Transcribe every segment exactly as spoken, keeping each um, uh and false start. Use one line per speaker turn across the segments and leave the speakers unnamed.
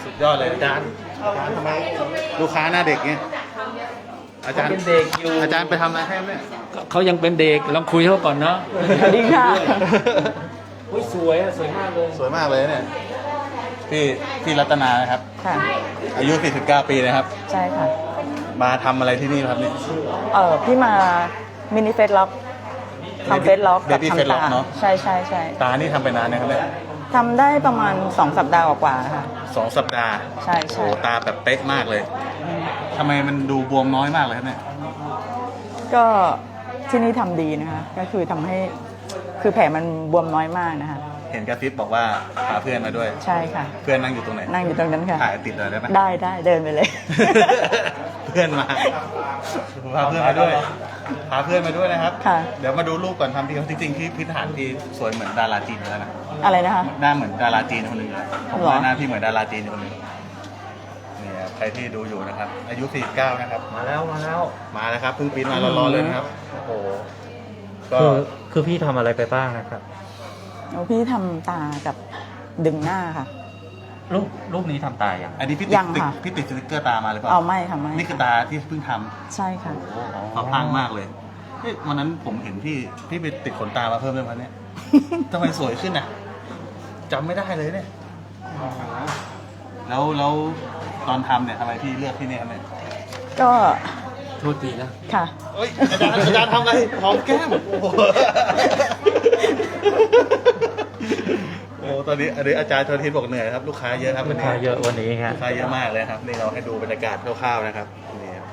สุดยอดเลยอาจารย์อาจารย์ทำไมลูกค้าหน้าเด็กเงี้ยอาจารย์
เป็นเด็กอยู่
อาจารย์ไปทำอะไรให้เนี่ย
เขายังเป็นเด็กลองคุยเขาก่อนเนาะ
สวัสดีค่ะ
อุ้ยสวยอะสวยมากเลย
สวยมากเลยเนี่ยพี่พี่รัตนานะครับ
ค่ะ
อายุสี่สิบเก้าปีนะครับ
ใช่ค่ะ
มาทำอะไรที่นี่ครับเนี่ย
เออพี่มามินิเฟสล็อกทำเฟสล็อกกับ
Baby Face
ทำ
Lock
ตา
เนอะ
ใช่ใช่ใช่
ตานี่ทำไปนานนะครับเนี่ย
ทำได้ประมาณสองสัปดาห์กว่าๆค่ะ
สองสัปดาห์
ใช่
โอ้
ใช่
ตาแบบเป๊ะมากเลยทำไมมันดูบวมน้อยมากเลยครับเนี่ย
ก็ที่นี่ทำดีนะคะ ก็คือทำให้คือแผลมันบวมน้อยมากนะคะ
เห็นกระซิบบอกว่าพาเพื่อนมาด้วย
ใช่ค่ะ
เพื่อนนั่งอยู่ตรงไหน
นั่งอยู่ตรงนั้นค่ะ
ถ่ายติดเลยได้ไหม
ได้ได้เดินไปเลย
เพื่อนมาพาเพื่อนมาด้วยพาเพื่อนมาด้วยนะครับ
ค่ะ
เดี๋ยวมาดูรูปก่อนทำทีจริงๆที่พื้นฐานที่สวยเหมือนดาราจีนอยู่แล้วนะ
อะไรนะคะ
หน้าเหมือนดาราจีนคนหนึ่งเลยผม
หรอ
ว่าหน้าพี่เหมือนดาราจีนคนหนึ่งนี่ครับใครที่ดูอยู่นะครับ อายุสี่สิบเก้านะครับ
มาแล้วมาแล้ว
มาแล้วครับเพิ่งปีนมาร้อนๆเลยนะครับโอ้โหก็
คือคือพี่ทำอะไรไปบ้างนะครับ
แล้วพี่ทำตากับดึงหน้าค่ะ
รูปรูปนี้ทำตายยัง
อันนี้พี่ติ
ยั
ด
ง
ติด
ค่ะ
พี่ติดสติ๊กเกอร์ตามาหรือเปล่า
เอาไม่ค่ะไม่
นี่คือตาที่เพิ่งทำ
ใช่ค่ะ
โอ้โหเขาพลางมากเลยเฮ้ยวันนั้นผมเห็นพี่พี่ไปติดขนตามาเพิ่มด้วยมันเนี่ย ทำไมสวยขึ้นอ่ะจำไม่ได้เลยเนี่ยแล้วแล้วตอนทำเนี่ยทำไมพี่เลือกที่เนี่ยครับเนี่ย
ก็
โทษทีนะ
ค่ะ
เฮ้ยอาจารย์อาจารย์ทำอะไรหอมแก้มโอ้โหโอ้ตอนนี้อันนี้อาจารย์ชนทิศบอกเหนื่อยครับลูกค้าเยอะครับ
ลู
วั
ก
น
ค้า
นี้
เยอะวันนี้ฮะ
ลูกค้าเยอะมากเลยครับนี่เราให้ดูบรรยากาศคร่าวๆนะครับนี่ครับ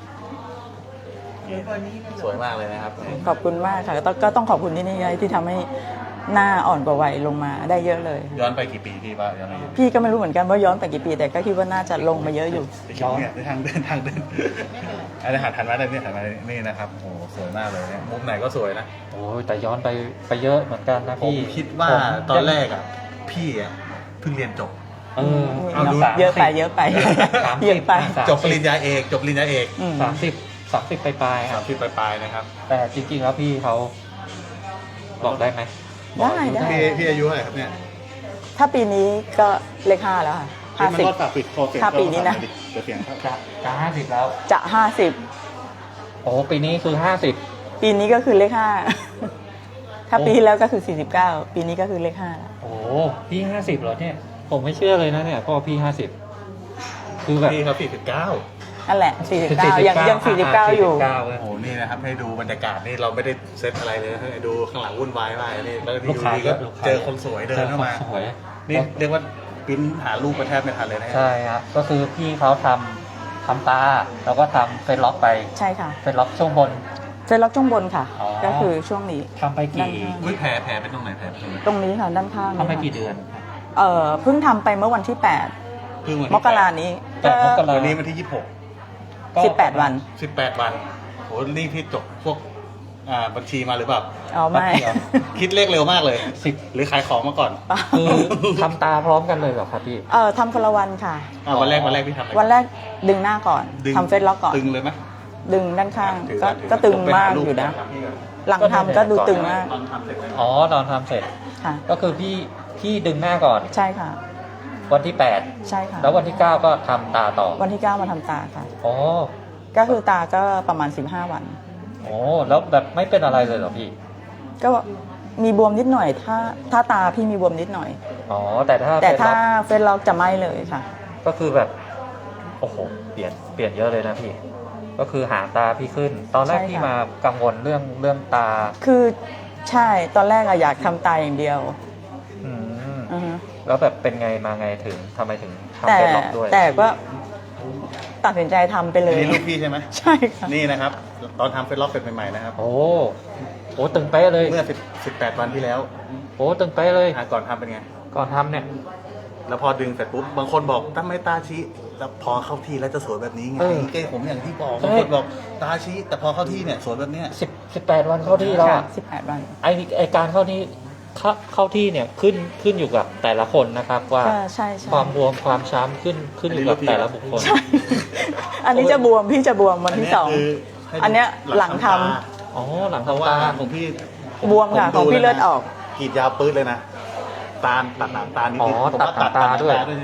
สวยมากเลยนะครับ
ขอบคุณมากค่ะก็ต้องก็ต้องขอบคุณที่นี่ที่ทำให้หน้าอ่อนกว่าวัยลงมาได้เยอะเลย
ย้อนไปกี่ปีพี่ป้าย้อนไปกี่ปี
พี่ก็ไม่รู้เหมือนกันว่าย้อนไปกี่ปี แต่ก็คิดว่าน่าจะลงมาเยอะอยู่
ย้อนเนี่ยทางเดินทางเดินอันนี้หันทันมาได้เนี่ยหันมานี่นะครับโอ้โหสวยมากเลยเนี่ยมุมไหนก็สวยนะ
โอ้ยแต่ย้อนไปไปเยอะเหมือนกันนะ
ผม
พี่
คิดว่า
ผม
ตอนแรกอ่ะพี่อ่ะเพิ่งเรียนจบ
เออ
เอาดู
เยอะไปเยอะไป
สามสิบ
เยอะไป
สาม
จ
สิ
บปริญญาเอกจบปริญญาเอก
อืม
สามสิบสามสิบปลายๆค
สา
รั
ม
บ
สิบปลายๆนะครับ
แต่จริงๆแล้วพี่เขาบอกได้ไหม
ได้ได้
พี่พี่อายุเท่าไหร่ครับเนี่ย
ถ้าปีนี้ก็เลขห้าแล้วค่ะห้า
มัน
สิบ
ก็ฝากปิดโคเสียง
ถ้าปีนี้นะ
เดี๋ยวเสียงครับ
จะจะห้าสิบแล้ว
จะห้าสิบ
โอ้ปีนี้คือห้าสิบ
ปีนี้ก็คือเลขห้า ถ้าปีที่แล้วก็คือสี่สิบเก้าปีนี้ก็คือเลขห้าแล้ว
โอ้พี่ห้าสิบเหรอเนี่ย ผมไม่เชื่อเลยนะเนี่ยพ่อพี่ห้าสิบคือแบบ
พี่เขาสี่สิบเก้า
นั่นแหละสี่สิบเก้ายังยังสี่สิบเก้าอยู่
สี่สิบเก้าเล
โอ้
ย
โหนี่นะครับให้ดูบรรยากาศนี่เราไม่ได้เซตอะไรเลยให้ดูข้างหลังวุ่นวายมากนี่แล้ว
ลู
ดี
กค้า
ดีก็
ลูกค้า
เจอคนสวยเดินเข้ามา
จอคนสวย
นี่เรียกว่าปริ้นหารูปมาแทบไม่ทันเลยนะ
ใช่ครับก็คือพี่เขาทำทำตาแล้วก็ทำเฟซล็อกไป
ใช่ค่ะ
เฟซล็อกช่วงบน
เฟซล็อกช่วงบนค่ะ
อ๋อ
ก็คือช่วงนี้
ทำไปกี่
ด้านข้าง
อุ้ยแผลแผลเป็นตรงไหนแผลเป็นตรงไหน
ตรงนี้ค่ะด้านข้าง
ทำไป
นี่ค่ะ
กี่เดือน
เอ่อเพิ่งทำไปเมื่อวันที่แปด
เพิ่งวัน
ม
ที่
กรานี้
แปดมกรา
วันนี้วันที่ยี่สิบหก
ก็
สิบแปดวัน
สิบแปดวันโหนี่พี่จบพวกอ่าบัญชีมาหรือเปล่า
อ๋อไม่
คิดเลขเร็วมากเลย
สิบ
หรือขายของมาก่อน
คือทำตาพร้อมกันเลยเหรอครับพี่
เออทำคนละวันค่ะ
อ่าวันแรกวันแรกพี่ทำอะไร
วันแรกดึงหน้าก่อน
ดึง
ทำเฟซล็อกก่อน
ตึงเลยไหม
ดึงด้านข้าง
ถือ
ก็
ถือ
ก็ตึง
ไปห
มาก
รูป
อยู่นะ
ครับพี่ก่อน
หลังทำก็ดูตึงมาก
ตอนทำเสร็จไหม
อ๋อตอนทำเสร็จ
ค่ะ
ก็คือพี่พี่ดึงหน้าก่อน
ใช่ค่ะ
วันที่แปด
ใช่ค่ะ
แล้ววันที่เก้าก็ทำตาต่อ
วันที่เก้ามาทำตาค่ะ
อ๋อ
ก็คือตาก็ประมาณสิบห้าวัน
โอ้แล้วแบบไม่เป็นอะไรเลยเหรอพี่
ก็มีบวมนิดหน่อย ถ้าถ้าตาพี่มีบวมนิดหน่อย
อ๋อแต่ถ้า
แต่
เป็น
ถ้า
ล็อก
เฟซล็อกจะไม่เลยค่ะ
ก็คือแบบโอ้โหเปลี่ยนเปลี่ยนเยอะเลยนะพี่ ก็คือหางตาพี่ขึ้น ตอนแรก
ใช่ค่ะ
พี่มากังวลเรื่องเรื่องตา
คือใช่ตอนแรกอะอยากทำตาอย่างเดียว
อืม
อือฮึ
แล้วแบบเป็นไงมาไงถึงทำไมถึงทำ
แต่
เป็นล็อกด้วย
แต่ก็ตัดสินใจทำไปเล
อัน
ย
นี้ลูกพี่ใช่ไหม
ใช่ค่ะ
นี่นะครับ ตอนทำเฟซล็อกเสร็จใหม่ๆนะครับ
โอ้โหตึงเป๊ะเลย
เมื่อสิบสิบแปดวันที่แล้ว
โอ้ตึงเป๊ะเลย
อ่ะก่อนทำเป็นไง
ก่อนทำเนี่ย
แล้วพอดึงเสร็จปุ๊บบางคนบอกถ้าไม่ตาชี้แล้วพอเข้าที่แล้วจะสวยแบบนี้ไงเก้ผมอย่างที่บอกบางคนบอกตาชี้แต่พอเข้าที่เนี่ยสวยแบบเนี้ย
สิบสิบแปดวันเข้าที่แล้ว
ค่ะ
อะ
สิบแปดวัน
ไอไอการเข้าที่เข้าเข้าที่เนี่ยขึ้นขึ้นอยู่กับแต่ละคนนะครับว่า
ก็ใช่ใช่
ความบวมความช้ำขึ้นขึ้นอยู่กับแต่ละบุคคล
ใช่ อันนี้จะบวมพี่จะบวมวันที่สอง
คืให้ดู
อันเนี้ยหลังทำ
ตา
อ๋อหลัง
เพราะ
ทำ
ว่า
ตา
ของพี่
บวมค่ะ
ผ
ของพี่
ดู
เลือดออก
กรีดยาวปื๊ดเลยนะตาตัดหนังตานิด
อ๋อ
ๆผมว่า
ตัดหนังตาด้วย
ใช่ไหมพี่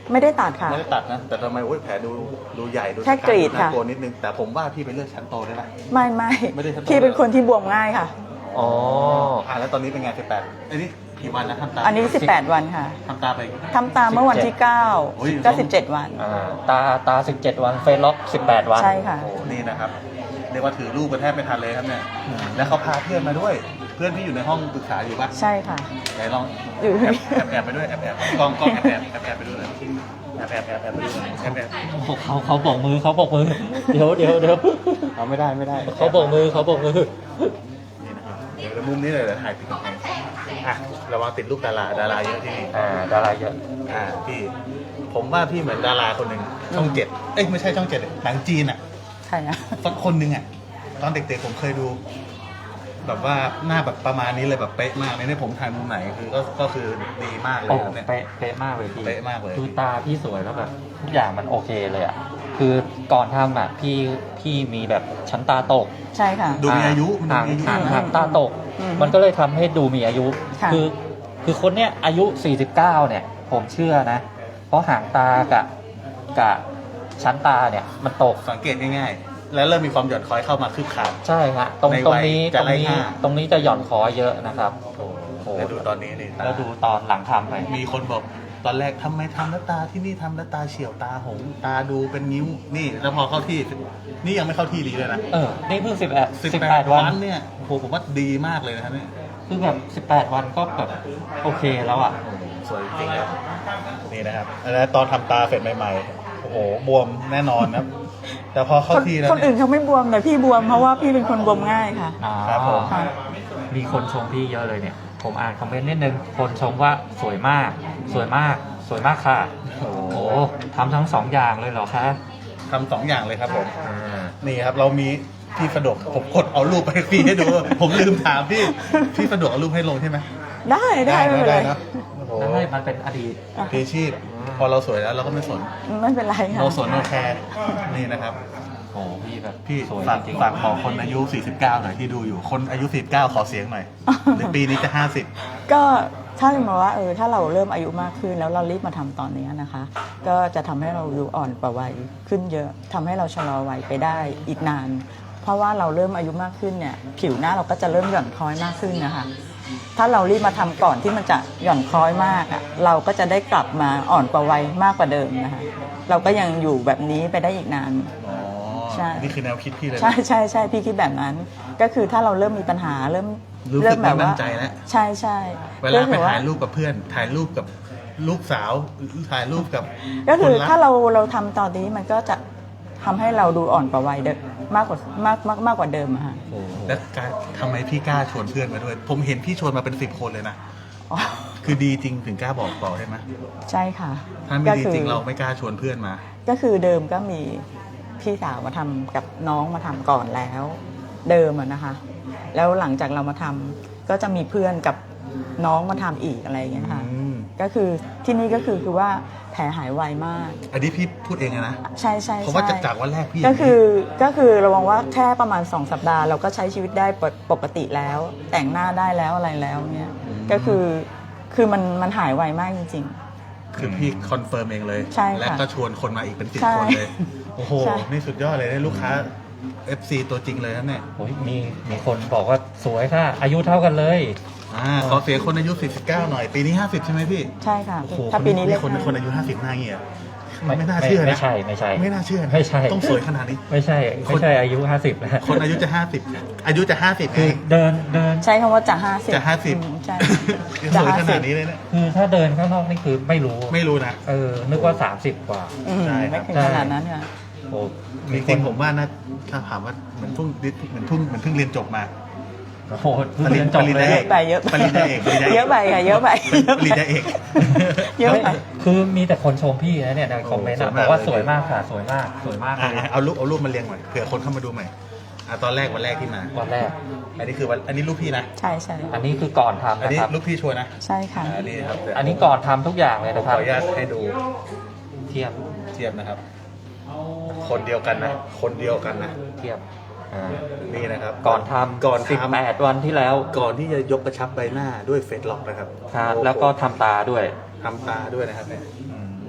ไม่ได้ตัดค่ะ
ไม่ได้ตัดนะแต่ทำไมโอ้ยแผลดูดูใหญ่ดู
แค่กรีด
น่า
ค่ะ
กลัวนิดนึงแต่ผมว่าพี่ไปเลือกชั้นโตได้ไหม
ไม่ไม่
ไม่ได้ชั้นโต
พี่เป็นคนที่บวมง่ายค่ะ
อ๋อ
อ่าแล้วตอนนี้เป็นไงสิบแปดอันนี้กี่วันนะทำตา
อันนี้สิบแปดวันค่ะ
ทำตาไป
ทำตามเมื่อวันที่เก้า
โอ้ย
ก็สิบเจ็ดวัน
อ่าตาตาสิบเจ็ดวันเฟซล็อกสิบแปดวัน
ใช่ค่ะ
โอ้นี่นะครับเรียกว่าถือรูปกันแทบไม่ทันเลยครับเนี่ยแล้วเขาพาเพื่อนมาด้วย เพื่อนที่อยู่ในห้องปรึกษาอยู่ปะ
ใช่ค่ะ
ไหนลอง
อยู่
แอบแอบแอบไปด้วยแอบแอบกล้องกล้องแอบแอบแอบแอบไปด้วยแอบแอบแอบแอบไปด้วยแอบแอบ
เขาเขาบอกมือเขาบอกมือ เดี๋ยวเดี๋ยวเดี๋ยว
เอาไม่ได้ไม่ได้
เขาบอกมือเขาบอกมือ
นี่นะครับเดี๋ยวมุมนี้เลยเดี๋ยวถ่ายติดกำแพงอ่ะระวังติดรูปดาราดาราเยอะที่นี่
อ่าดาราเยอะ
อ่าพี่ผมว่าพี่เหมือนดาราคนหนึ่งช่องเจ็ดเอ้ยไม่ใช่ช่องเจ็ดเลยหนังจีนอ่ะ
ใช่อะ
สักคนหนึ่งอ่ะตอนเด็กๆผมเคยดู แบบว่าหน้าแบบประมาณนี้เลยแบบเป๊ะมากเลยเนี่ยผมถ่ายมุมไหนคือก็ก็คือดีมากเลย
โอ้
ครับเนี่ย
เป๊ะเป๊ะมากเลยพี่
เป๊ะมากเลย
คือตาพี่สวยแล้วแบบทุกอย่างมันโอเคเลยอ่ะคือก่อนทำอ่ะพี่พี่มีแบบชั้นตาตก
ใช่ค่ะ
ดูมีอายุมันดู
ห่าง
มีอายุ
ห่าง
นะ
ห่างตาตก
อืม
มันก็เลยทำให้ดูมีอายุ
ค่ะ
คือคือคนเนี้ยอายุสี่สิบเก้าเนี่ย ผมเชื่อนะ เพราะห่างตากับกับชั้นตาเนี่ยมันตก
สังเกตง่ายๆ แล้วเริ่มมีความหย่อนคล้อยเข้ามาคืบขาด
ใช่ฮะตรง
ใน
ตร
วั
ง
ย
นี้
จะ
ตรง
ไล่
นี้
ห้า
ตรงนี้จะหย่อนคอเยอะนะครับโอ้โห
แล้วดูตอนนี้นี่ตา
แล้วดูตอนหลังทำไป
มีคนบอกตอนแรกทำไมทำแล้วตาที่นี่ทำแล้วตาเฉียวตาหงตาดูเป็นนิ้วนี่ แล้วพอเข้าที่ นี่ยังไม่เข้าที่ดีเลยนะ
เออ นี่เพิ่งสิบแปด
สิบ
สิบ
แป
แป
ด
ด
วั
วัน
นเนี่ยโอ้โหผมว่าดีมากเลยนะครับเนี่ย
คือแบบสิบแปดวันก็แบบโอเคแล้วอ่ะ
สวยจริงๆครับนี่นะครับแล้วตอนทำตาเสร็จใหม่ๆโอ้โหบวมแน่นอนนะครับแต่พอเข้า
คน
ที่แล้ว
คน
เนี่
อื่
ย
นเขาไม่บวมแต่พี่บวมเพราะว่าพี่เป็นคนบวมง่ายค่ะ
อ่า
ครับผม
ค่ะ
มีคนชมพี่เยอะเลยเนี่ย ผมอ่านคอมเมนต์นิดนึง คนชมว่าสวยมาก สวยมาก สวยมากค่ะ
โอ้
โอ้
โห
โหทำทั้งสองอย่างเลยเหรอคะ
ทำสองอย่างเลยครับผม
อ่า
นี่ครับเรามีพี่สะดวกผมกดเอารูปไปให้พี่ให้ดู ผมลืมถามพี่พี่สะดวกเอารูปให้ลงใช่ไหม
ได้ได้ไม่เป็นไร
นะโอ้โห
ได้มันเป็นอดีต
พี่ชีพพอเราสวยแล้วเราก็ไม่สน
ไม่เป็นไรค่ะ
เราสนเราแคร์นี่นะครับ
โอ้โหพี่แบบ
พี่
สวย
ฝาก
จริง
ฝากบอกคนอายุ สี่สิบเก้า หน่อยที่ดูอยู่ คนอายุ สี่สิบเก้า ขอเสียงหน่อยในปีนี้จะ ห้าสิบ
ก็ถ้าสมมติว่าเออถ้าเราเริ่มอายุมากขึ้นแล้วเรารีบมาทำตอนนี้นะคะ ก็จะทำให้เราดูอ่อนกว่าวัยขึ้นเยอะทำให้เราชะลอวัยไปได้อีกนาน เพราะว่าเราเริ่มอายุมากขึ้นเนี่ยผิวหน้าเราก็จะเริ่มหย่อนคล้อยมากขึ้นนะคะ ถ้าเรารีบมาทำก่อนที่มันจะหย่อนคล้อยมากอ่ะเราก็จะได้กลับมาอ่อนกว่าวัยมากกว่าเดิมนะคะเราก็ยังอยู่แบบนี้ไปได้อีกนาน
อ๋อ
ใช่
นี่คือแนวคิดพี่เลยนะ
ใช่ใช่ใช่พี่คิดแบบนั้น ก็คือถ้าเราเริ่มมีปัญหาเริ่ม
รู้สึก
เริ่มแบบ
ไม่มั่
ว่าน
ใจแล้ว
ใช่ใช่
เวลาไป
คือว่
ถ่ายรูปกับเพื่อน ถ่ายรูปกับลูกสาว ถ่ายรูปกับ
ก็คือ
คนรัก
ถ้าเราเราทำตอนนี้มันก็จะทำให้เราดูอ่อนกว่าวัยเดิมมากกว่ามากมากมากกว่าเดิมอะค่ะ
โอ้โห
แล้วการทำไมพี่กล้าชวนเพื่อนมาด้วย ผมเห็นพี่ชวนมาเป็นสิบคนเลยนะ
อ๋อ
คือดีจริงถึงกล้าบอกต่อใช่ไหม
ใช่ค่ะ
ถ้าไม่
ก็
ดี
คือ
จริงเราไม่กล้าชวนเพื่อนมา
ก็คือเดิมก็มีพี่สาวมาทำกับน้องมาทำก่อนแล้ว เดิมอะนะคะ แล้วหลังจากเรามาทำก็จะมีเพื่อนกับน้องมาทำอีกอะไรอย่างเงี้ยค่ะ
อืม
ก็คือที่นี่ก็คือคือว่าแผลหายไวมาก
อันนี้พี่พูดเองอะนะ
ใช่ใช่
เพราะว่า
ใช่
จากจากวันแรกพี่
ก็คือก็คือเรามองว่าแค่ประมาณสองสัปดาห์เราก็ใช้ชีวิตได้ปกปกติแล้ว แต่งหน้าได้แล้วอะไรแล้วเนี่ยก็คือคือมันมันหายไวมากจริง
คือพี่คอนเฟิร์มเองเลย
ใช่ค่ะ
และก็ชวนคนมาอีกเป็นสิบ
ใช่
คนเลย โอ้โห
ใช่
นี่สุดยอดเลยได้ลูกค้า เอฟ ซี ตัวจริงเลยนะเนี่ย
โอ้ยมีมีคนบอกว่าสวยค่ะ อายุเท่ากันเลย
อ่าขอเสียงคนอายุ สี่สิบเก้า หน่อย ปีนี้ ห้าสิบ ใช่ไหมพี่
ๆ ใช่ค่ะ
โอ้โห
ถ้าปีนี้
ค
เล
น
ข
คน
ห้า
คนอายุ ห้าสิบ หน้าเงี้ย
ไม่
ไม่น่าเชื่อนะ
ไม่ใช่ไม่ใช่
ไม่น่าเชื่อนะ
ไม่ใช่
ต้องสวยขนาดนี้
ไม่ใช่ไม่ใช่อายุห้าสิบแล้ว
คนอายุจะ ห้าสิบ อายุจะ ห้าสิบ
คือ
เอง
เดินเดิน
ใช้คำว่าจะห้าสิบ
จะห้าสิบ
ใช่
ยัง
จะ
สวย
ห้า
ข
สิ
นา
บ
ดนี้เลยเนี่ย
คือถ้าเดินข้างนอกนี่คือไม่รู้
ไม่รู้นะ
เออ นึกว่าสามสิบกว่า
อืม
ใช่ครับ
ไม่ถึงขนาดนั้นค่ะ
โอ้
จ
มีค
ริ
น
งๆผมว่านะถ้าถามว่าเหมือนเพิ่งเหมือนเพิ่งเหมือนเพิ่งเรียนจบมา
โอ้โหเพิ่งเรียนจบ
ปริญ
เล
ญาเอย ก
ไปเยอะไป
ปริญญาเอกปริญญาเอก
เยอะไปค่ะเยอะไป
ปริญญาเอก
เยอะไป
คือมีแต่คนชมพี่นะเนี่ยในคอมเมนต์อะ
โอ้สวยมาก
บอกว่า
เลย
สวยมากค่ะ สวยมาก สวยมากเล
อ่ะ
ย
เอารูปเอารูปมาเรียงหน่อยเผื่อคนเข้ามาดูใหม่อ่ะตอนแรกวันแรกที่มา
วันแรก
อันนี้คือวันอันนี้รูปพี่นะ
ใช่ใช่
อันนี้คือก่อนทำ
อัน
นะ
นี้
ครับ
รูปพี่ชัวร์นะ
ใช่ค่ะ
อันนี้ครับ
อันนี้ก่อนทำทุกอย่างเลย
ผม
นะ
ข
ค
อ
รับ
อนุญาตให้ดู
เทียบ
เทียบนะครับ คนเดียวกันนะ คนเดียวกันนะ
เทียบอ่า
นี่นะครับ
ก่อนทำ
ก่อน
สิบ
ทำ
แปดวันที่แล้ว
ก่อนที่จะยกกระชับใบหน้าด้วยเฟซล็อกนะครับ
ครับ
โอ้โห
แล้วก็ทำตาด้วย
ทำตาด้วยนะครับเนี่ย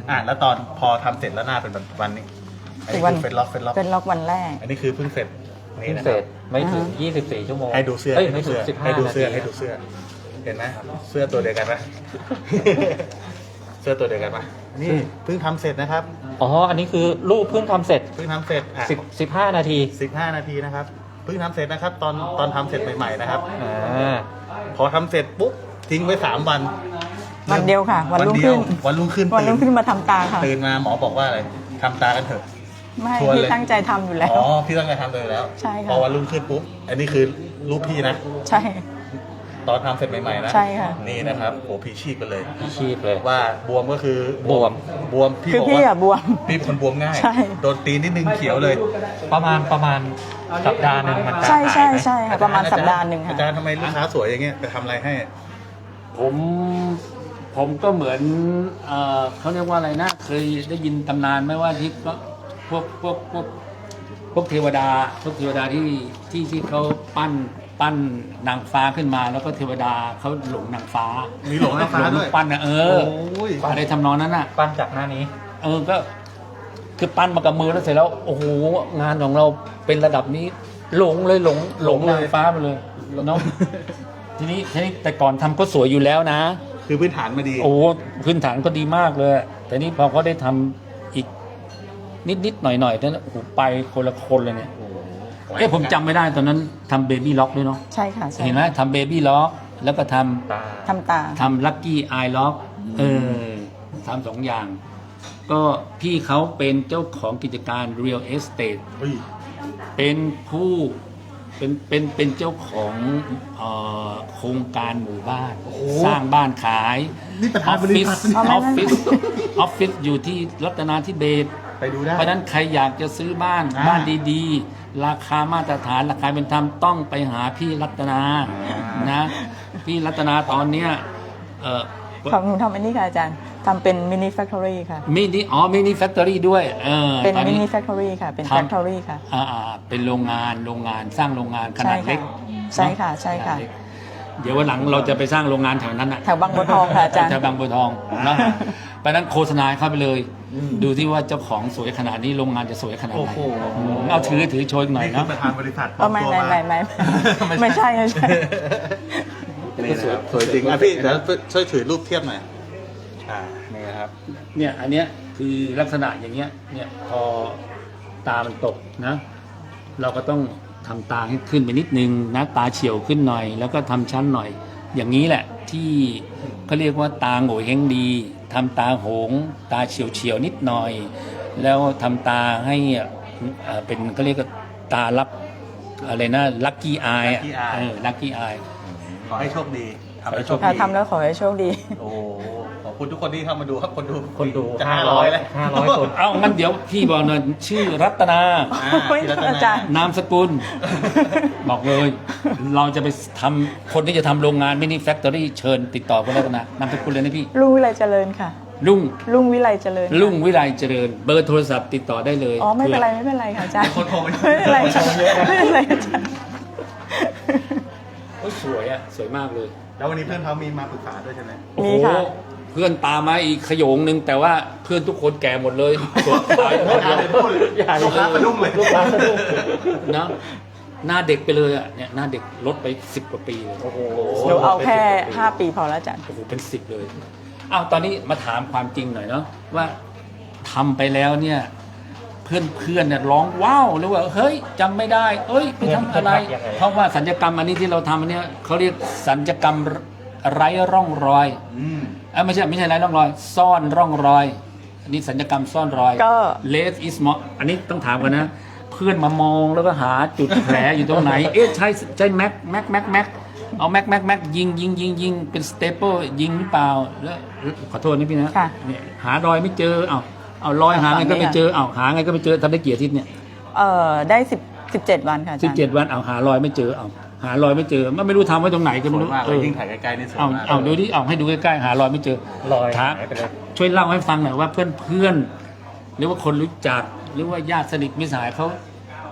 อ่ะแล้วตอนพอทำเสร็จแล้วหน้าเป็นแบบวันนี้อันนี้คือเฟซล็อกเฟซล็อก
เป็นล็อกวันแรก
อันนี้คือเพิ่งเสร็จนี่
เพิ่ง
นะ
เส
ค
ร็
รั
จ
บ
ไม่ถึง
อ่าฮะ
ยี่สิบสี่ ชั่วโมง
ให้ดูเสื้อ
เอ้ย
ให้
ไม่
ดู
ถึง
เสื้อ
สิบห้า
ให้ดูเสื้อ
นาที
ให้ดูเสื้อเห็นไหมเสื้อตัวเดียวกันไหม เสื้อตัวเดียวกันไหมนี่เพิ่งทำเสร็จนะครับ
อ๋ออันนี้คือรูปเพิ่งทำเสร็จ
เพิ่งทำเสร็จอ่ะ
สิบ สิบห้า นาที
สิบห้านาทีนะครับเพิ่งทำเสร็จนะครับ ตอนตอนทำเสร็จใหม่ๆนะครับ
อ่า
พอทำเสร็จปุ๊บทิ้งไว้สามวัน
วันเดียวค่ะ วันรุ่ง
เดี
ขึ้
ยวน วันรุ่งขึ้น
วันรุ่งขึ้น
ตื่
มาทำตาค่ะ
ตื่นมาหมอบอกว่าอะไรทำตากันเถอะ
ไม่
ชวนเลย
ที่ตั้งใจทำอยู่แล้ว
อ๋อพี่ตั้งใจทำเลยแล้ว
ใช่ค่ะ
พอวันรุ่งขึ้นปุ๊บอันนี้คือรูปพี่นะ
ใช่
ตอนทำเสร็จใหม่ๆนะ
ใช่ค่ะ
นี่นะครับโอ้พี่ชีพกันเลย
พี่ชีพเลย
ว่าบวมก็คือบ
วม
บวมพี่
คือ
บอก
พี่
ว่า
อะบวม
พี่เป็นคนบวมง่าย
ใช่
โดนตีนิดนึงเขียวเลย
ประมาณประมาณสัปดาห์หนึ่งมันจะ
ใช่ใช่
หายไหม
ใช่ค่ะประมาณสัปดาห์หนึ่ง
อา
ค่ะ
จารย์ทำไมลูกค้าสวยอย่างเงี้ยไปทำอะไรให้
ผมผมก็เหมือนเอ่อเขาเรียกว่าอะไรนะ เคยได้ยินตำนานไหมว่าที่ก็พวกพวกพวกพวกเทวดาพวกเทวดาที่ที่ที่เขาปั้นปั้นนางฟ้าขึ้นมา แล้วก็เทวดาเขาหลงนางฟ้า
มีหลงนางฟ้าด้วย
หลปั้นนะเออ
โอ้ย
อะไรทำนองนั้นน่ะ
ปั้นจากหน้านี้
เออก็คือปั้นมากับมือแล้วเสร็จแล้วโอ้โหงานของเราเป็นระดับนี้หลงเลยหลงหลงนางฟ้าไปเลยเนาะ ทีนี้ทีนี้แต่ก่อนทำก็สวยอยู่แล้วนะ
คือพื้นฐานมาดี
โอ้พื้นฐานก็ดีมากเลย แต่นี่พอเขาได้ทำอีกนิดนิดๆหน่อยหน่อยๆนั้นโอ้โหไปคนละคนเลยเนี่ยเอ๊ะผมจำไม่ได้ตอนนั้นทำเบบี้ล็อกด้วยเนาะ
ใช่ค่ะใช่
เห็นไหมทำเบบี้ล็อกแล้วก็ท
ตา
ทำตา
ำทำลักกี้ไอล็อกเออทำสองอย่าง ก็พี่เขาเป็นเจ้าของกิจการ Real Estate
เฮ้ย
เป็นผู้เป็นเป็นเป็นเจ้าของเอ่อโครงการหมู่บ้าน สร้างบ้านขาย
นี่ประธานบริษัท
ออฟฟิศออฟฟิศอยู่ที่รัตนาธิเบศร
ไปดูได้
เพราะฉะนั้นใครอยากจะซื้อบ้าน
อ่า
บ้านดีๆ ราคามาตรฐานราคาเป็นธรรมต้องไปหาพี่รัตนา
อ่าน
นะพี่รัตนาตอนเนี้ยเอ่อ
ของหนูทำอันนี้ค่ะอาจารย์ทำเป็นมินิแฟคทอรี่ค่ะ
มินิอ๋อมินิแฟคทอรี่ด้วยเออ
เป็น
ตอน
มิ
นี้
นิแฟคทอรี่ค่ะ เป็น
ทำ
แฟคทอรี่ค่ะ
อ่าอ่าเป็นโรงงานโรงงานสร้างโรงงานขนาดเล็ก
ใช่ค่ะใช่ค่ะ
ขนาดเล็กเดี๋ยววันหลังเราจะไปสร้างโรงงานแถวนั้นน่ะ
แถวบางบัวทองค่ะอาจารย์
แถวบางบัวทองนะไปนั้นโฆษณาให้เข้าไปเลย ดูที่ว่าเจ้าของสวยขนาดนี้โรงงานจะสวยขนาด
โอ้
ไหน
โห
อืมเอาถือถือโชว์อีกหน่อย
นี่คื
เนาะ
อประธานบริษัท
ก็ไม่
ปลอ
ไม่
ตัว
ไม่ไม่ไม่ใช่ไม่ใช่
นี่นะครับสวยจริงอ่ะพี่เดี๋ยวช่วยถือรูปเทียบหน่อยอ่านี่นะครับ
เนี่ยอันเนี้ยคือลักษณะอย่างเงี้ยเนี่ยพอตามันตกนะ เราก็ต้องทำตาให้ขึ้นไปนิดนึงนะตาเฉียวขึ้นหน่อย แล้วก็ทำชั้นหน่อย อย่างนี้แหละที่เขาเรียกว่าตาโง่เฮงดีทำตาโหง ตาเฉียวเฉียวๆนิดหน่อย แล้วทำตาให้เอ่อเป็นเขาเรียกว่าตารับอะไรนะลัคกี้อาย
Lucky eye
เออลัคกี้อาย
ขอให้โชคดีทำให้โชค
ค่ะ
ดี
ทำแล้วขอให้โชคดี
โอ้ขอบคุณทุกคนที่เข้ามาดูครับคนดู
คนดู
จะ
ห้า
ห้า
ร้
ร้
อ
อย ยแล้ว
ห้าร้อยคน
เอ้างั้นเดี๋ยวพี่บอกหน่อยชื่อรัตนา
อ่า
โอ้ย
พี่รัต
อาจารย์
นามสกุล บอกเลย เราจะไปทำคนที่จะทำโรงงานมินิแฟคทอรี่เชิญติดต่อคุณรัตนานามสกุลเลยนะพี่
ลุงวิไลเจริญค่ะ
ลุง
ลุงวิไลเจริญ
ลุงวิไลเจริญ เบอร์โทรศัพท์ติดต่อได้เลย
อ๋อไม่เป็นไรไม่เป็นไรค่ะอาจารย์
คนโทรไป
ไม่เป็นไรค่ะไม่เป็นไรอาจารย์
โอ้ยสวยอ่ะ สวยมากเลย
แล้ววันนี้เพื่อนเขามีมาปรึกษาด้วยใช่ไหม
โอ้
มี
โห
ค่ะ
เพื่อนตามมาอีกขโยงหนึ่งแต่ว่าเพื่อนทุกคนแก่หมดเลยสวยสวยหมดเลย
ลูกค้าสะดุ้งเลย
ลูกค้าสะดุ้ง
นะหน้าเด็กไปเลยอ่ะเนี่ยหน้าเด็กลดไปสิบกว่าปีเลย
โอ้โห
หนูเอาแค่ห้าปีพอแล้วอาจารย์
โอ้โหเป็นสิบเลยอ้าวตอนนี้มาถามความจริงหน่อยเนาะว่าทำไปแล้วเนี่ย เพื่อนเพื่อนเนี่ยร้องว้าวหรือว่าเฮ้ยจำไม่ได้เอ้ยไปทำอะไร
เพื่อนๆทำยังไง
เพราะว่าสัญญกรรมอันนี้ที่เราทำอันเนี้ยเขาเรียกสัญญกรรมไร้ร่องรอย
อืม
เอ้ยไม่ใช่ไม่ใช่ไร้ร่องรอย ซ่อนร่องรอย อันนี้สัญญกรรมซ่อนรอย
ก็
less is more อันนี้ต้องถามกันนะ เพื่อนมามองแล้วก็หาจุดแผลอยู่ตรงไหน เอ๊ะใช่ใช่แม็กแม็กแม็กแม็กเอาแม็กแม็กแม็กยิงยิงยิงยิงเป็นสเตเปิลยิงหรือเปล่าแล้วขอโทษนี่พี่นะ
ค่ะ
เนี่ยหารอยไม่เจอเอาเอารอยหาไงก็ไม่เจอเอาหาไงก็ไม่เจอทำได้กี่อาทิตย์เนี่ย
เอ่อได้สิบสิบเจ็ดวันค่ะอา
สิ
จา
บ
รย์
เจ็ดวันเอาหารอยไม่เจอเอาหารอยไม่เจอมันไม่รู้ทำไว้ตรงไหนก็
ส
ไม่
วย
รู้
มากเล
เอยอ
ยิ่งถ่ายใกล้ๆนี่สวย
เอา
มาก
เอาดูดิเอาให้ดูใกล้ๆหารอยไม่เจอ
รอย
ถาม
หายไปเลย
ช่วยเล่าให้ฟังหน่อยว่าเพื่อนเพื่อนๆหรือว่าคนรู้จักหรือว่าญาติสนิทมิตรสหายเขา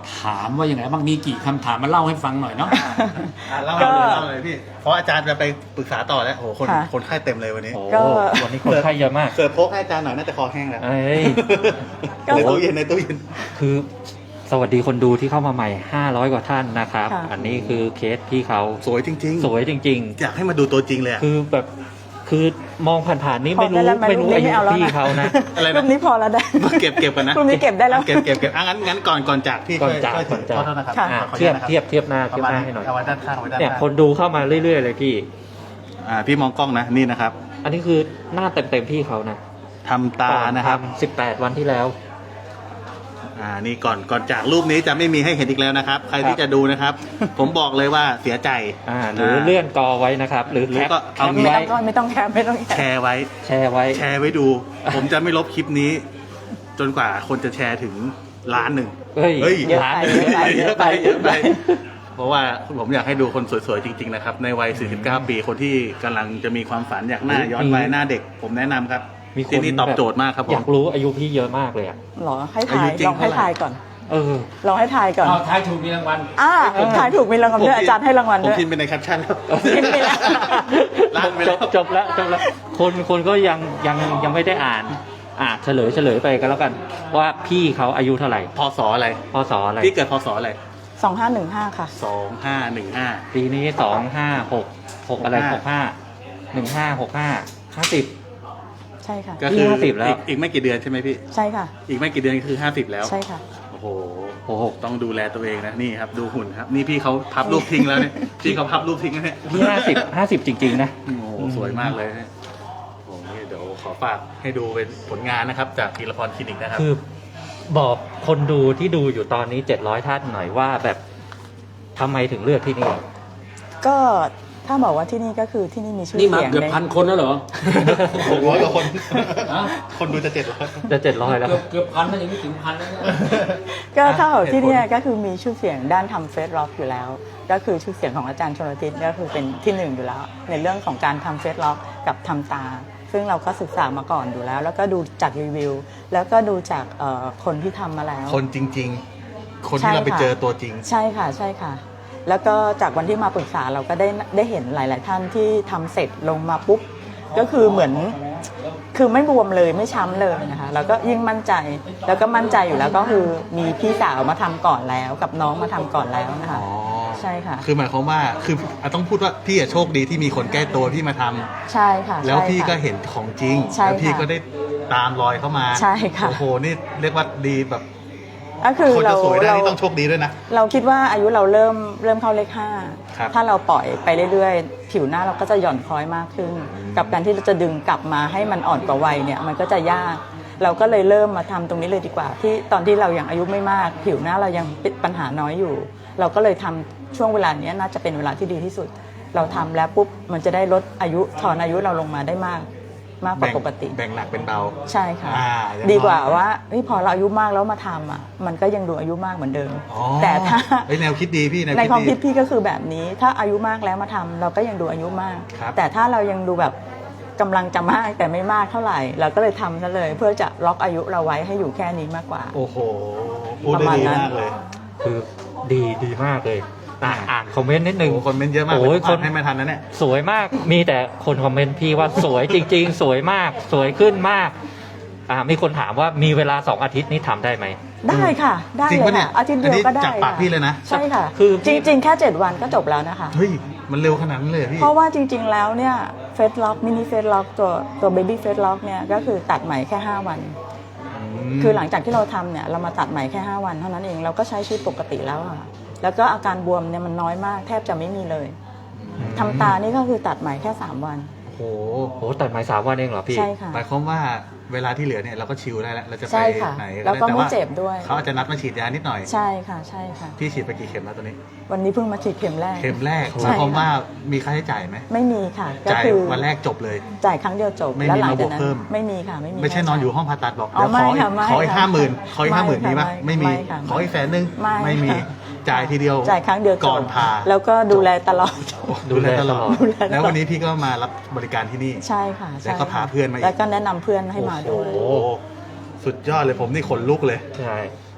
ถามว่ายังไงบ้างมีกี่คำถามมาเล่าให้ฟังหน่อยเนาะ
อ่ะเล่าเลยเล่าเลยพี่ เพราะอาจารย์จะไปปรึกษาต่อแล้วโอ้โหคน
ค่ะ
คนไข้เต็มเลยวันนี้
โอ้
ก็
วันนี้คนไข้เยอะมาก
เสิร์ฟโพกให้อาจารย์หน่อยน่าจะคอแห้งแล้ว
เอ้ย
ก็
ในตู้เย็นในตู้เย็น
คือสวัสดีคนดูที่เข้ามาใหม่ ห้าร้อย กว่าท่านนะครับ
ค่ะ
อันนี้คือเคสพี่เขา
สวยจริง
สวยจริง
ๆ อยากให้มาดูตัวจริงเลยอะ
ๆ คือแบบคือมองผ่านๆนี่ไม่รู้
พอได้แล้ว
ไม่รู้
ไม่
อายุ
เอาแล้ว
พี่
นะ
เขานะ
อะไร
รุ่
นะ
นนี้พอแล้วได้
เก็บเก็บกันนะ
รุ่นนี้เก็บได้แล้ว
เก็บเก็บเก็บอ่ะงั้นงั้นก่อนก่อนจากพี่
ก่อน
ช่วย
จาก
ช่วยถื
ก่อนจาก
ขอโทษนะครับ
ค่ะ
อ่ะ
ขออนุ
เทีย
ญา
บ
ตนะครับ
เทียบเทียบหน้า
ป
เทีย
ระ
บ
มาณ
หน้า
นี้
ให้หน่อย
เอาไว้ด้านข้างเอาไว้ด้าน
เนี่ย
ข้าง
คนดูเข้ามาเรื่อยๆเลยพี่
อ่าพี่มองกล้องนะนี่นะครับ
อันนี้คือหน้าเต็มๆพี่เขานะ
ทำตานะครับ
สิบแปดวันที่แล้ว
อ่านี่ก่อนก่อนจากรูปนี้จะไม่มีให้เห็นอีกแล้วนะครับ ใครที่จะดูนะครับ ผมบอกเลยว่าเสียใจ
อ่าหรือเลื่อนกอไว้นะครับ หรือ
หรือ
แคป
ก็
แค
เอา
ป
งี้
ไว้
ก็ไม่ต้องแคปไม่ต้องแค
แช
ป
ร์ไว้
แชร์ไว้
แชร์ไว้ดู ผมจะไม่ลบคลิปนี้ จนกว่าคนจะแชร์ถึงล้านหนึ่ง
เฮ้ย
เฮ้ย
เยอะไป
เยอะไป
เยอะไปเยอะไป เพราะว่าผมอยากให้ดูคนสวยๆจริงๆนะครับ ในวัย สี่สิบเก้า ปี คนที่กำลังจะมีความฝันอยากหน้าย้อนวัยหน้าเด็ก ผมแนะนำครับ
มีคน
ที่นี่ตอบโจทย์มากครับผ
อยาม กรู้อายุพี่เยอะมากเลยอ่ะ
หรอให้ทา
อายุ
ย
จริง
ลองให้
เท่าไหร่
ทายก่อน
เออ
ลองให้ทายก่อน
เอาทายถูกมีรางวัล
อ่าทายถูกมีรางวัลด้วยอาจารย์ให้รางวัล
ผม
ด้วย
พิมพ์ไปในแคปชั่นแล้ว
พิมพ์ไปแล้ว
ล้านไป
จ
แล้ว
บจบแล้วจบแล้ว คนคนก็ยังยังยังไม่ได้อ่าน อ่าเฉลยเฉลยไปกันแล้วกัน ว่าพี่เขาอายุเท่าไหร่
พศอะไร
พศอะไร
พี่เกิดพศอะไร
สองห้าหนึ่งห้าค่ะ
สองห้าหนึ่งห้า
ปีนี้สองห้าหกหกอะไรหกห้าหนึ่งห้าหกห้าห้าสิบ
ใช่ค่ะ
ก็คือ
ห้าสิบแล้ว
อีกอีกไม่กี่เดือนใช่ไหมพี่
ใช่ค่ะ
อีกไม่กี่เดือนคือห้าสิบแล้ว
ใช่ค่ะ
โอ้โห
โอ้โห
ต้องดูแลตัวเองนะนี่ครับดูหุ่นครับ นี่พี่เขาพับรูปทิ้งแล้วเนี่ยพี่เขาพับรูปทิ้งแล้วเนี่ย
พี่ห้าสิบห้าสิบจริง ๆ นะ
โอ้โหสวยมากเลยเนี่ยโอ้โหนี่เดี๋ยวขอฝากให้ดูเป็นผลงานนะครับ จากธีรพรคลินิกนะครับ
คือบอกคนดูที่ดูอยู่ตอนนี้เจ็ดร้อยท่านหน่อยว่าแบบทำไมถึงเลือกที่นี่
ก็ถ้าบอกว่าที่นี่ก็คือที่นี่มีชื่อ
นี่มา
เสียง
เกือบ
ใน
พันคนแล้วเหรอ
หกร้อยกว่าคน
ฮะ
คนดูจะเจ็ดร้อย
จะเจ็ดร้อยแล้ว
เกือบเกือบพันแล้วยังไม่ถึงพันแล้วเนี่ย
ก็ถ้าบอกที่เนี่ย
เหตุผล
ก็คือมีชื่อเสียงด้านทำเฟซล็อกอยู่แล้ว ก็คือชื่อเสียงของอาจารย์ชลทิศก็คือเป็นที่หนึ่งอยู่แล้ว ในเรื่องของการทำเฟซล็อกกับทำตา ซึ่งเราก็ศึกษามาก่อนอยู่แล้ว แล้วก็ดูจากรีวิว แล้วก็ดูจากเอ่อคนที่ทำมาแล้ว
คนจริง ๆ คนที่เราไปเจอตัวจริง
ใช่ค่ะใช่ค่ะ แล้วก็จากวันที่มาปรึกษาเราก็ได้ได้เห็นหลาย ๆ ท่านที่ทำเสร็จลงมาปุ๊บก็คือเหมือนคือไม่บวมเลยไม่ช้ำเลยนะคะแล้วก็ยิ่งมั่นใจ แล้วก็มั่นใจอยู่แล้วก็คือมีพี่สาวมาทำก่อนแล้ว กับน้องมาทำก่อนแล้วนะคะ
อ๋อ
ใช่ค่ะ
คือหมายความว่าคืออ่ะต้องพูดว่าพี่อะโชคดีที่มีคนใกล้ตัวพี่มาทำ
ใช่ค่ะ
แล้ว
ใช่
พี่
ค่ะ
ก็เห็นของจริง
ใช่
แล้วพี่
ค่ะ
ก็ได้ตามรอยเข้ามา
ใช่ค่ะ
โอ้โหนี่เรียกว่าดีแบบ
ก็คือ
คน
เรา
จะสวยได้
เรา
นี่ต้องโชคดีด้วยนะ
เราคิดว่าอายุเราเริ่มเริ่มเข้าเลขห้า
ครับ
ถ้าเราปล่อยไปเรื่อยๆ ผิวหน้าเราก็จะหย่อนคล้อยมากขึ้น กับการที่เราจะดึงกลับมาให้มันอ่อนกว่าวัยเนี่ยมันก็จะยาก เราก็เลยเริ่มมาทำตรงนี้เลยดีกว่า ที่ตอนที่เรายังอายุไม่มาก ผิวหน้าเรายังเป็นปัญหาน้อยอยู่ เราก็เลยทำช่วงเวลานี้น่าจะเป็นเวลาที่ดีที่สุด เราทำแล้วปุ๊บมันจะได้ลดอายุถอนอายุเราลงมาได้มาก มากกว่า
แบ่ง
ปกติ
แบ่งหนักเป็นเบา
ใช่ค่ะ
อ่าอย่าง
ดีกว่า
น้อย
ว่าเฮ้ยพอเราอายุมากแล้วมาทำอ่ะมันก็ยังดูอายุมากเหมือนเดิม
อ๋อ
แต่ถ้า
เฮ้ยแนวคิดดีพี่แนว
ใน
คิด
ความ
ดี
คิดพี่ก็คือแบบนี้ ถ้าอายุมากแล้วมาทำเราก็ยังดูอายุมาก
ครับ
แต่ถ้าเรายังดูแบบกำลังจะมากแต่ไม่มากเท่าไหร่ เราก็เลยทำซะเลย เพื่อจะล็อกอายุเราไว้ให้อยู่แค่นี้มากกว่า
โอ้โหพูด
ประ
ได้
มาณ
ดี
นั้น
มากเลย
คือดีดีมากเลยอ่ะอ่านคอมเมนต์นิดนึ
โอ้
ง
โหคนเมนต์เยอะมาก
โอ้ย
ผม
ค
อ่าน นให้ไม่ทันนะเนี่ย
สวยมาก มีแต่คนคอมเมนต์พี่ว่าสวยจริง ๆ สวยมาก สวยขึ้นมาก อ่า มีคนถามว่ามีเวลาสองอาทิตย์นี้ทำได้ไหม
ได้ค่ะ ได้
จริง
เล
ปะ
ย
เนี่ย
ค่ะอาทิตย์เดียวก็ได้
อันนี้จากปากพี่เลยนะ
ใช่ค่ะ
คือ
จริง ๆ แค่เจ็ดวันก็จบแล้วนะคะ
เฮ้ยมันเร็วขนาดนั้นเลยเหรอพี่
เพราะว่าจริง ๆ แล้วเนี่ยเฟสล็อกมินิเฟสล็อกตัวตัวเบบี้เฟสล็อกเนี่ยก็คือตัดใหม่แค่ห้าวัน
ม
คือหลังจากที่เราทำเนี่ยเรามาตัดใหม่แค่ห้าวันเท่านั้นเองเราก็ใช้ชีวิตปกติแล้วอะค่ะแล้วก็อาการบวมเนี่ยมันน้อยมากแทบจะไม่มีเลยทำตานี่ก็คือตัดใหม่แค่สามวัน
โอ้โห
โอ้ตัดไม้สามวันเองเหรอพี่
ใช่ค่ะ
หมายความว่าเวลาที่เหลือเนี่ยเราก็ชิลได้แล้วเราจะไป
ใช่ค่ะ
ไหน
แล้วก็
ด้
ไม่เจ็บด้วย
เขาอาจจะนัดมาฉีดยานิดหน่อย
ใช่ค่ะใช่ค่ะ
พี่ฉีดไปกี่เข็มแล้วตอนนี้
วันนี้เพิ่งมาฉีดเข็มแรก
เข็มแรก
ใช่
หมายความ
ค่ะ
ว่ามีค่าใช้จ่ายไหม
ไม่มีค่ะก็
จ่าย
คือ
วันแรกจบเลย
จ่ายครั้งเดียวจบ
ไม่มี
แล้วหลังจากนั้
มาบวกเพิ่
น
ม
ไม่มีค่ะไม่มี
ไม่ใช่นอนอยู่ห้องผ่าตัดบอก
อ๋อ
เดี๋ยวขอ
ไม่ค่ะไม่
ขออีก
ค่ะ
ห้าหมื่นขออีก
ไม่
ห้าหมื่น
ค่ะ
มีปะ
ไม่
ไม่มี
ไม่ค่ะ
ขออีกแสนนึง
ไม่
ไม่มี
ค่ะ
จ่ายทีเดียว
จ่ายครั้งเดียวจบ
ก่อนผ่า
แล้วก็ดูแลตลอด
ดูแลตลอด
ดูแลตลอด
แล้ววันนี้พี่ก็มารับบริการที่นี่
ใช่ค่ะใช่
แล้วก็พาเพื่อนมาอีก
แล้วก็แนะนำเพื่อนให้มาด้วย
โอ้โหสุดยอดเลยผมนี่ขนลุกเลย
ใช่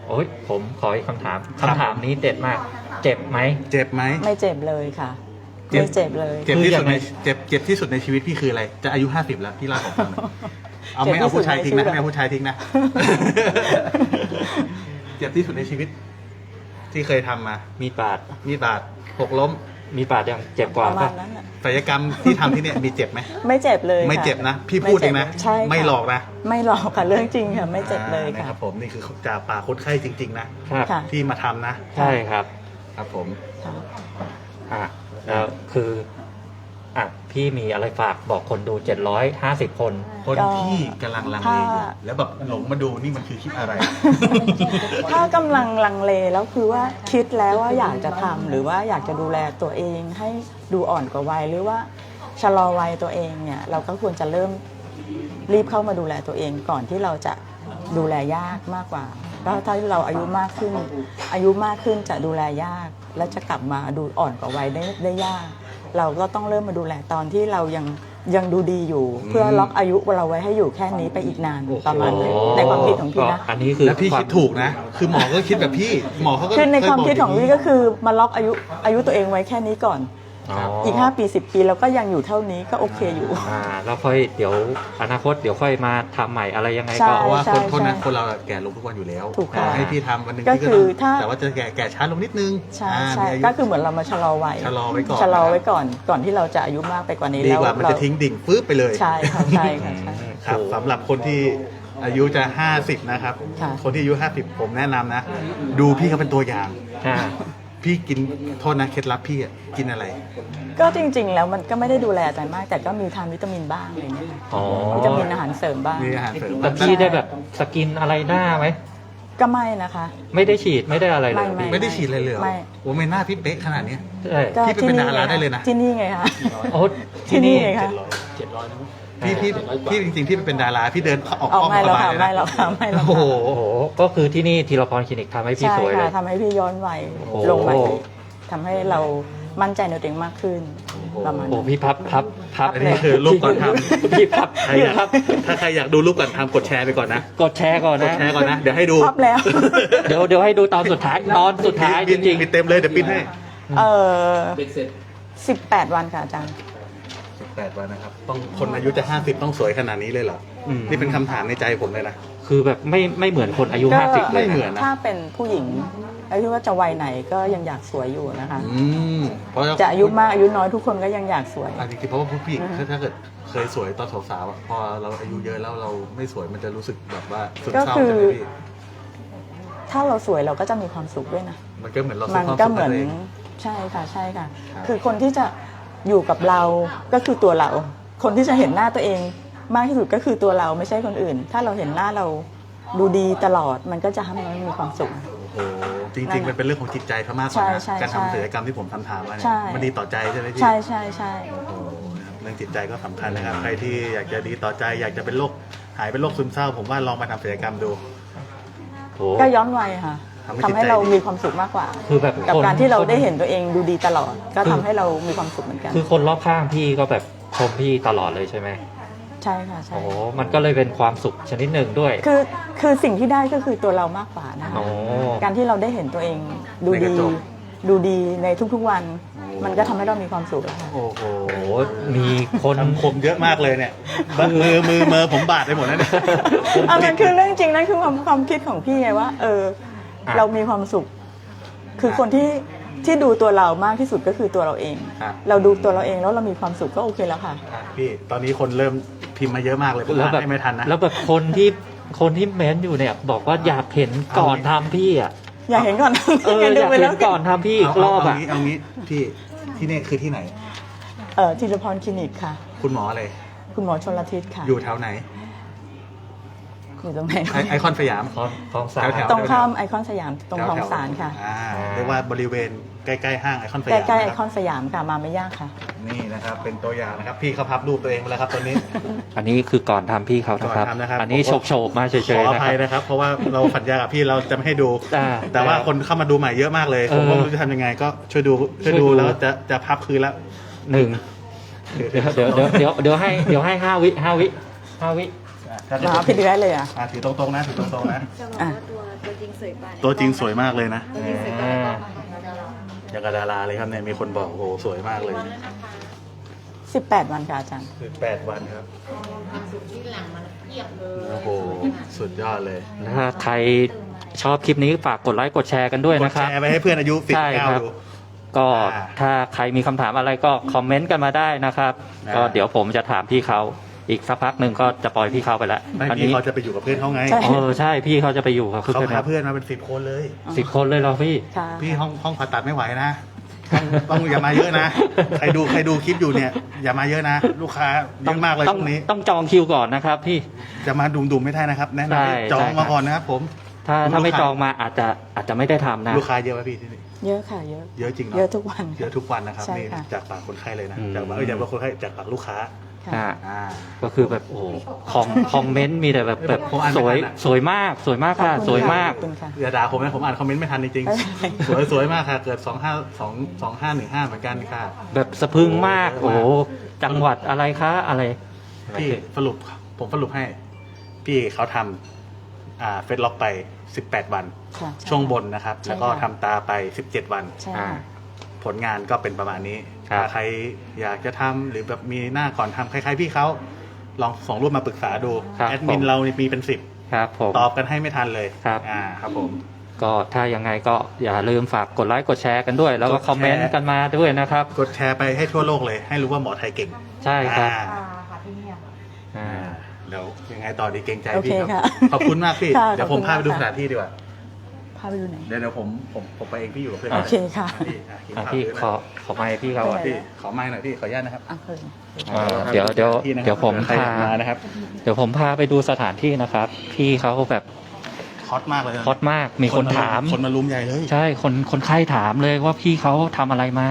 โอ้ยผมขออีกคำถามคำถามนี้เด็ดมาก เจ็บไหม
เจ็บไหม
ไม่เจ็บเลยค่ะ
เจ็บ
ไม่เจ็บเลย
เจ็บที่สุดใน
คือยังไง
เจ็บเจ็บที่สุดในชีวิตพี่คืออะไร จะอายุห้าสิบแล้วพี่เล่าของผมหน่อยเอาไม่
เจ็บที่
เอาผู้ชาย
สุดใน
ทิ้งนะ
ชีวิต
ไม่เอาผู้ชายทิ้งนะ เจ็บที่สุดในชีวิต ที่เคยทำมา
มีดบาด
มีดบาดหกล้ม
มีดบาดยังเจ็บกว่า
ประมา
ปะ
ณนั้นน่ะ
ศัลยกรรมที่ทำที่เนี่ยมีเจ็บไหม
ไม่เจ็บเลย
ไม่
ค่ะ
เจ็บนะ พี่พูดเองนะ
ใช่ค่ะ
ไม่หลอกนะ
ไม่หลอกค่ะเรื่องจริงค่ะไม่เจ็บเลย
อ่านะ
ค่ะ
ครับผมนี่คือจากปากคนไข้จริง ๆ นะ
ครับ
ค่ะ
ที่มาทำนะ
ใช่ครับ
ครับผม
ค่ะ
อ่ะแล้วคืออ่ะพี่มีอะไรฝากบอกคนดูเจ็ดร้อยห้าสิบคน
คนที่กำลังลังเลอยู่แล้วแบบหลงมาดูนี่มันคือคลิปอะไร
ถ้ากำลังลังเลแล้วคือว่าคิดแล้วว่าอยากจะทำหรือว่าอยากจะดูแลตัวเองให้ดูอ่อนกว่าวัยหรือว่าชะลอวัยตัวเองเนี่ยเราก็ควรจะเริ่มรีบเข้ามาดูแลตัวเองก่อนที่เราจะดูแลยากมากกว่าก็ถ้าเราอายุมากขึ้น อายุมากขึ้นจะดูแลยาก และจะกลับมาดูอ่อนกว่าวัยได้ได้ยาก เราก็ต้องเริ่มมาดูแลตอนที่เรายังยังดูดีอยู่ เพื่อล็อกอายุเราไว้ให้อยู่แค่นี้ไปอีกนานประมาณนั้นในความคิดของพี่นะ
อันนี้คือ
แล้วพี่
วาม
คิดถูกนะ คือหมอก็คิดแบบพี่ หมอเขาก็
คือในความคิดของ
เยบ
พี่ก็คือมาล็อกอายุอายุตัวเองไว้แค่นี้ก่อน
อ๋อ
อีกห้าปีสิบปีเราก็ยังอยู่เท่านี้ก็โอเคอยู่
อ่าแล้วค่อยเดี๋ยวอนาคตเดี๋ยวค่อยมาทำใหม่อะไรยังไง
ใช่
ก็
เพราะว่า
ใช่
คนคนนั้น
ใช่
คนเราแก่ลงทุกวันอยู่แล้ว
ถูกค่ะ
ให้พี่ทำวันหนึ่ง
ก็
พี่ก็
คือ
ต้อง
ถ้า
แต่ว่าจะแก่แก่ช้าลงนิดนึง
ใช่
อ่า
ใช่
มีายุ
ก็คือเหมือนเรามาชะลอวัย
ชะลอไว้ก่อน
ชะลอไว้ก่อน ก่อนที่เราจะอายุมากไปกว่านี้
ดี
แล้ว
กว่ามัน
เรา
จะทิ้งดิ่งปื๊บไปเลย
ใช่ค่ะใช่ค่ะใช่
ครับสำหรับคนที่อายุจะห้าสิบนะครับ
ค่ะ
คนที่อายุห้าสิบผมแนะนำนะ ดูพี่เขาเป็นตัวอย่าง
อ่า
พี่กินโทษนะเคล็ดลับพี่อะกินอะไร
ก็จริง ๆ แล้วมันก็ไม่ได้ดูแลอะไรมาก แต่ก็มีทานวิตามินบ้างอะไรเงี้ย
อ๋อ
วิตามินอาหารเสริมบ้าง
มีอาหารเสริม
แต่พี่ได้แบบสกินอะไรหน้าไหม
ก็ไม่นะคะ
ไม่ได้ฉีดไม่ได้อะไรเลย
ไม่
ไม่ได้ฉีดอะไรเลยเหรอ
ไม่
โอ้ไม่น่าพี่เป๊ะขนาดเนี้ย
ใช่
ก็
พี่ไปเป็นดาราได้เลยนะ
ที่นี่ไงคะ
โอ้
ที่นี่ไงคะ
เจ็ดร้อยนะ
พี่พี่พี่จริงๆพี่เป็นดาราพี่เดินออก
ออก
ห้อง
ไม่
ส
แล้ว
บาย
ค่ะ
เลย
ไม่
นะ
แล้วค่ะไม่แล้ว
โอ้โห
ค่ะ
โอ้โหก็คือที่นี่ทีละพรคลินิกทำให้พี่
ใช่
สวยเล
ค่ะ
ย
ทำให้พี่ย้อนวัย
โอ้
ลงมาอีกทำให้เรามั่นใจในตัวเองมากขึ้นประมาณ
โอ้
นั้น
พี่พับพับพับ
อันนี้คือรูปก่อนท
พี่พับ
ำใคร
พี่
อยาก
พับ
ถ้าใครอยากดูรูปก่อนทำกดแชร์ไปก่อนนะ
กดแชร์ก่อน
กด
นะ
แชร์ก่อนนะ เดี๋ยวให้ดู
พับแล้ว
เดี๋ยวเดี๋ยวให้ดูตอนสุดท้ายตอนสุดท้ายจ
บิน
ริง
บินเต็มเลยเดี๋ยวปิ้นให้
เออ
เบ็ดเสร็จ
สิบแปดวันค่ะอาจารย์
สิบแปดวันนะครับ ต้องคนอายุจะห้าสิบต้องสวยขนาดนี้เลยเหรอ
อืม
นี่เป็นคำถามในใจผมเลยนะ
ๆ คือแบบไม่ไม่เหมือนคนอายุ
ก็
ห้าสิบเลย
ไม่เหมื
นะ
อนนะ
ถ้าเป็นผู้หญิงอายุว่าจะวัยไหนก็ยังอยากสวยอยู่นะคะ
อืมเพราะ
จะอายุมากอายุน้อยทุกคนก็ยังอยากสวย
อ่ะจริงๆเพราะว่าผู้หญิง
อือฮะ
ถ้าถ้าเกิดเคยสวยตอนสาวๆอะพอเราอายุเยอะแล้วเราไม่สวยมันจะรู้สึกแบบว่าสุด
ก็
เศร้า
คือ
ใช่ไหมพี่
ถ้าเราสวยเราก็จะมีความสุขด้วยนะ
มันก็เหมือนเรา
มั
ซื้อน ความ
ก็
สุข
เหมื
ให้
อน
ตัวเอง
ใช่ค่ะใช่ค่ะ
ครับ
คือคนที่จะอยู่กับเราก็คือตัวเรา คนที่จะเห็นหน้าตัวเองมากที่สุดก็คือตัวเราไม่ใช่คนอื่น ถ้าเราเห็นหน้าเราดูดีตลอด มันก็จะทำให้เรามีความสุข
โอ้โหจริงๆมันเป็นเรื่องของจิตใจซะมากกว่า
ใช่
นะ
ใช่
การ
ใช่
ทำศัลยกรรมที่ผมทำถามมาเนี่
ใช่
ยมันดีต่อใจใช่ไหมพี่
ใช่ใช่ใช่
โอ้โหนะครับเรื่องจิตใจก็สำคัญนะครับใครที่อยากจะดีต่อใจ อยากจะเป็นโรคหายเป็นโรคซึมเศร้า ผมว่าลองมาทำศัลยกรรมดู
โอ้
ก็ย้อนวัยค่ะ
ทำให้
ทำให้
จิตใจ
เรามีความสุขมากกว่า
คือแบบ
กับ
คน
การที่เราได้
คน
เห็นตัวเองดูดีตลอด ก็
คือ
ทำให้เรามีความสุขเหมือนกัน
คือคนรอบข้างพี่ก็แบบชมพี่ตลอดเลยใช่ไหม
ใช่ค่ะใช่
โอ้โหมันก็เลยเป็นความสุขชนิดหนึ่งด้วย
คือคือสิ่งที่ได้ก็คือตัวเรามากกว่านะคะ
โอ้
การที่เราได้เห็นตัวเองดู
ในก
ดี
ระจก
ดูดีในทุกๆวัน มันก็ทำให้เรามีความสุขแล้วค่ะ
โอ้โห
โอ้โหมีคน
คำคมเยอะมากเลยเนี่ยมือมือมือผมบาดไปหมดแล้วเนี่ย
อ่ะมันคือเรื่องจริงนั่นคือความความคิดของพี่ไงว่า เออ
อ่ะ
เรามีความสุข คือคนที่ที่ดูตัวเรามากที่สุดก็คือตัวเราเอง
ครับ
เราดูตัวเราเองแล้วเรามีความสุขก็โอเคแล้วค่ะ
อ่ะพี่ตอนนี้คนเริ่มพิมพ์มาเยอะมากเลยผม
แล้ว
อ่าน
แบบ
ให้ไม่ทันนะ
แล้วแบบคนที่คนที่เม้นอยู่เนี่ย บอกว่าอยากเห็นก่อนทำพี่อ่ะ
อยากเห็นก่อน
เออ
ดู
อยาก
ไป
เห็
แล้
น
ว
ก่อนทำพี่อีก
เอา
รอบ
เอา
อ่ะ
งี้เอางี้พี่ที่นี่คือที่ไหน
เออธีรพรคลินิกค่ะ
คุณหมออะไร
คุณหมอชลทิศค่ะ
อยู่แถวไหน
อยู่ตรงไหน
ไอไอคอนสยาม
คลองคลองสาม
แถว
ตรงข้ามไอคอนสยามตรงคลอง
แถวๆ
สารค่ะ
อ่าเรียกว่าบริเวณใกล้ๆห้างไอคอนส
ใก
ยาม
ล้ๆไอ
นะ
ค
ค
อ
รับ
นสยามค่ะมาไม่ยากค่ะ
นี่นะครับเป็นตัวอย่างนะครับ พี่เขาพับรูปตัวเองมาแล้วครับตอนนี้
อันนี้คือก่อนทำพี่เขานะครับ
ก่อนทำนะครับ
อันนี้
ผมก็
โฉบๆมาเฉ
ขอย
ๆ
อ
นะค
ภั
รั
ย
บ
นะครับ เพราะว่าเราสัญญากับพี่เราจะไม่ให้ดู
อ่า
แต่ว่าคนเข้ามาดูใหม่เยอะมากเลย ผมก็
เออ
ไม่รู้จะทำยังไงก็ช่วยดูช่วยดู
ช่วยดู
แล้วจะจะพับคืนแล้ว
หนึ่งเดี๋ยวเดี๋ยวเดี๋ยวเดี๋ยวเดี๋ยวให้เดี๋ยวให้ห้าวิห้าวิห้าวิ
ถ้า
หาพี่เดือยเลยอ่ะ
อ่ะถือตรงๆนะถือตรงๆนะ
จะบอกว่าตัวตัวจริงสวยกว่าใน
ตัวจริงสวยมากเลยนะ
ตัวจริงสวยกว่าในกล้องค่ะ
อย่างกับดาราเลยครับเนี่ยมีคนบอกโอ้โหสวยมากเลย
สิบแปดวันค่ะอาจารย์
คือแปดวันครับโอ้โหสุดยอดเลย
ถ้าใครชอบคลิปนี้ฝากกดไลค์กดแชร์กันด้วย
กด
นะครับ
แชร์ไปให้เพื่อนอายุสิบ
ใช่
เก้า
ครับ
ดู
ก็
อ่า
ถ้าใครมีคำถามอะไรก็คอมเมนต์กันมาได้นะครับ
อ่า
ก็เดี๋ยวผมจะถามพี่เขาอีกสักพักหนึ่งก็จะปล่อยพี่เขาไปแล้ว
ไม่
อัน
พี่
นี้
เขาจะไปอยู่กับเพื่อนเขาไง
ใช่
เออใช่พี่เขาจะไปอยู่กับ
เขา
เพื่อน
พาเพื่อนมาเป็นสิบคนเลย
สิบคนเลยเหรอพี่
ค่ะ
พี่ห้องห้องผ่าตัดไม่ไหวนะต้องต้องอย่ามาเยอะนะใครดูใครดูคลิปอยู่เนี่ย อย่ามาเยอะนะ ลูกค้าเยอะมากเลย
ต้
พ
อง
วกนี้
ต้องจองคิวก่อนนะครับพี่
จะมาดุมๆไม่ได้นะครับ แนะนำให้
ใช่
จอง
ใช่ครับ
มาก่อนนะครับผม
ถ้าถ้าไม่
ลูกค้า
จองมาอาจจะอาจจะไม่ได้ทำนะ
ลูกค้าเยอะไหมพี่ที่นี่
เยอะค่ะเยอะ
เยอะจริงเนาะ
เยอะทุกวัน
เยอะทุกวันนะครับ
ใช่
นี่
ค่ะ
จากปากคนไข้เลยนะ
อืม
จากปากเอ้ยจากปากคนไข้จากปากลูกค้า
อ่า
อ่า
ก็คือแบบโอ้โหคอมคอมเมนต์มีแต่แบบแบบ
ผมอ่านไม่
สวย
ทันอะ
สวยมากสวยมากค่ะ
ขอบคุณ
สวยมาก
ขอบคุณค่ะ
อย่าด่าผมนะผมอ่านคอมเมนต์ไม่ทันจริง
ไม่เป็นไร
ๆ สวยสวยมากค่ะเกิดสองห้าสองสองห้าหนึ่งห้าเหมือนกันค่ะ
แบบสะพรึงมาก
โอ้
โอ้
โห
โหจังหวัดอะไรคะอะไร
พี่สรุปผมสรุปให้ พี่เขาทำอ่าเฟซล็อกไปสิบแปดวัน
ค่ะใ
ช่วงบนนะครับ
ใช่
แล้วก็
ค่ะ
ทำตาไปสิบเจ็ดวัน
ใช่
อ่า
ค่ะ
ผลงานก็เป็นประมาณนี้
ครับ
ถ้าใครอยากจะทำหรือแบบมีหน้าก่อนทำคล้ายๆพี่เขาลองส่งรูปมาปรึกษาดู
ครับ
แอดมิน
ผม
เรานี่มีเป็นสิบ
ครับผม
ตอบกันให้ไม่ทันเลย
ครับ
อ่าครับผม
ก็ถ้ายังไงก็อย่าลืมฝากกดไลค์กดแชร์กันด้วย แล้วก็
กดแชร์
คอมเมนต์กันมาด้วยนะครับ
กดแชร์ไปให้ทั่วโลกเลย ให้รู้ว่าหมอไทยเก่ง
ใช่ครับ
อ่า
อ่า
เดี๋ยวยังไงต่อดีเกรงใจ
โอเค
พี่ครับ
ค่ะ
ขอบคุณมากพี่
ค่ะ
เดี๋ยวผม
ขอบคุณ
พาไปดู
มาก
ส
ค่ะ
ถานที่ดีกว่า
พาไปดูไหน
เดี๋ยวเดี๋ยวผมผมผมไปเองพี่อยู่กับเพื่อน
โอเคค่ะ
พี่อ่ะกิน
อ่ะ
ข้าว
พี่
ด้วยนะ
ขอขอไมค์พี่เขาอ่ะ
พี่ขอไม้หน่อยพี่ขออนุญาตนะครับ
อ่ะเพิ่ง
อ่าเดี๋ยวเดี๋ยว
พี่นะครับ
เดี๋ยวผม
ใคร
พา
มานะครับ
เดี๋ยวผมพาไปดูสถานที่นะครับ พี่เขาแบบ
ฮอตมากเลยนะ
ฮอตมากมีคนถาม
คนมารุมใหญ่เลย
ใช่คนคนไข้ถามเลยว่าพี่เขาทำอะไรมา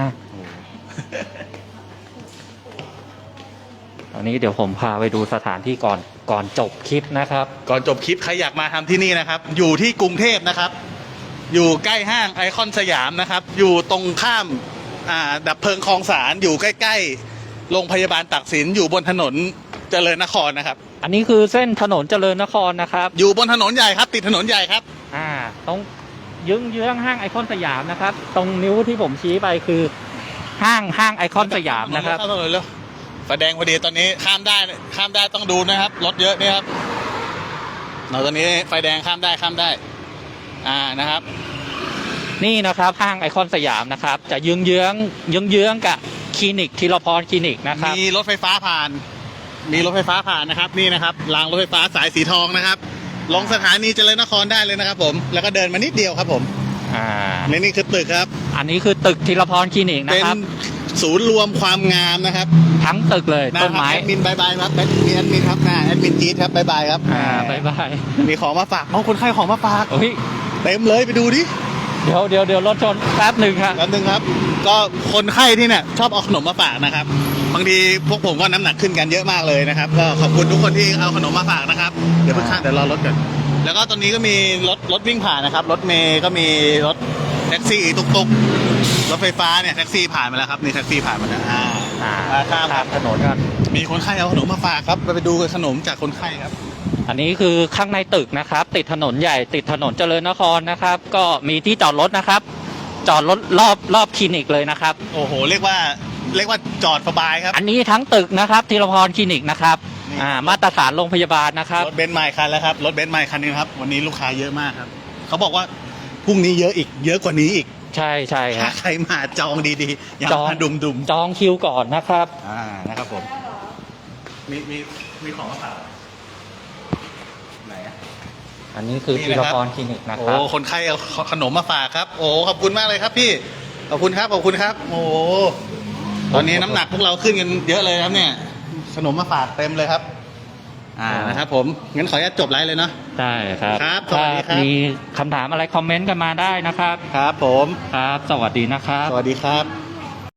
ตอนนี้เดี๋ยวผมพาไปดูสถานที่ก่อนก่อนจบคลิปนะครับ
ก่อนจบคลิปใครอยากมาทำที่นี่นะครับ อยู่ที่กรุงเทพนะครับ อยู่ใกล้ห้างไอคอนสยามนะครับ อยู่ตรงข้ามอ่าดับเพลิงคลองสารอยู่ใกล้ๆโรงพยาบาลตักสินอยู่บนถนนเจริญนครนะครับ
อันนี้คือเส้นถนนเจริญนครนะครับ
อยู่บนถนนใหญ่ครับ ติดถนนใหญ่ครับ
อ่าตรงยึงเยื้องห้างไอคอนสยามนะครับ ตรงนิ้วที่ผมชี้ไปคือห้างห้างไอคอนสยามนะครับ
เข้าถนนเร็วไฟแดงพอดีตอนนี้ข้ามได้ข้ามได้ต้องดูนะครับรถเยอะนี่ครับเราตอนนี้ไฟแดงข้ามได้ข้ามได้ อ่านะครับ
นี่นะครับห้างไอคอนสยามนะครับ จะเยื้องเยื้องเยื้องเยื้องกับคลินิกทีรพรคลินิกนะครับ
มีรถไฟฟ้าผ่าน มีรถไฟฟ้าผ่านนะครับ นี่นะครับรางรถไฟฟ้าสายสีทองนะครับ ลงสถานีเจริญนครได้เลยนะครับ ผม แล้วก็เดินมานิดเดียวครับผม
อ่า
และนี่คือตึกครับ
อันนี้คือตึกทีรพรคลินิกนะ
เป็น
ครับ
ศูนย์รวมความงามนะครับ
ทั้งตึกเลย
นะ
ต้น
ครับ
ไม้
แอดมินบายบายครับแอดมินแอดมินครับนะแอดมินจี๊ดครับบายบายครับ
อ่าบายบาย
มีของมาฝากเอาคนไข้ของมาฝาก
โอ้ย
เต็มเลยไปดูดิ
เดี๋ยวเดี๋ยวเดี๋ยวรถชนแป๊บหนึ่งครับ
แล้วนึงครับ ก็คนไข้ที่เนี่ยชอบเอาขนมมาฝากนะครับ บางทีพวกผมก็น้ำหนักขึ้นกันเยอะมากเลยนะครับ ก็ขอบคุณทุกคนที่เอาขนมมาฝากนะครับ เดี๋ยวเพิ่งข้ามเดี๋ยวรอรถก่อนแล้วก็ตอนนี้ก็มีรถรถวิ่งผ่านนะครับ รถเมย์ก็มีรถแท็กซี่ตุกตุกรถไฟฟ้าเนี่ยแท็กซี่ผ่านมาแล้วครับนี่แท็กซี่ผ่านมาแล้วอ่า
อ่า
มาข้ามค
ข้า
รับ
มถนนกัน
มีคนไข้เอาขนมมาฝากครับไปดูขนมจากคนไข้ครับ
อันนี้คือข้างในตึกนะครับ ติดถนนใหญ่ติดถนนเจริญนครนะครับ ก็มีที่จอดรถนะครับ จอดรถรอบรอบคลินิกเลยนะครับ
โอ้โห เรียกว่าเรียกว่าจอดสบายครับ
อันนี้ทั้งตึกนะครับทีรพรคลินิกนะครับ
นี่
อ่ามาตรฐานโรงพยาบาลนะครับ
รถเบนซ์ใหม่คันแล้วครับรถเบนซ์ใหม่คันนึงครับวันนี้ลูกค้าเยอะมากครับเขาบอกว่าพรุ่งนี้เยอะอีก เยอะกว่านี้อีก
ใช่ใช่ค
ถ้า
รับ
ใครมาจองดีๆอย่า
จอง
มาดุมดุม
จองคิวก่อนนะครับ
ๆอ่านะครับผมมีมีมีของมาฝากไหนอะ
อันนี้คือ
นี่
ที
นะ
ร
ครับ
พรคลินิกนะ
โอ้
ครับ
คนไข้เอาขนมมาฝากครับ โอ้ขอบคุณมากเลยครับพี่ขอบคุณครับขอบคุณครับ โอ้ตอนนี้น้ำหนักพวกเราขึ้นกันเยอะเลยครับเนี่ย ขนมมาฝากเต็มเลยครับ อ่านะครับผมงั้นขออนุญาตจบไลฟ์เลยเนาะ
ได้ครับ
ครับสวั
ถ้า
สดีครับ
มีคำถามอะไรคอมเมนต์กันมาได้นะครับ
ครับผม
ครับ สวัสดีนะครับ
สวัสดีครับ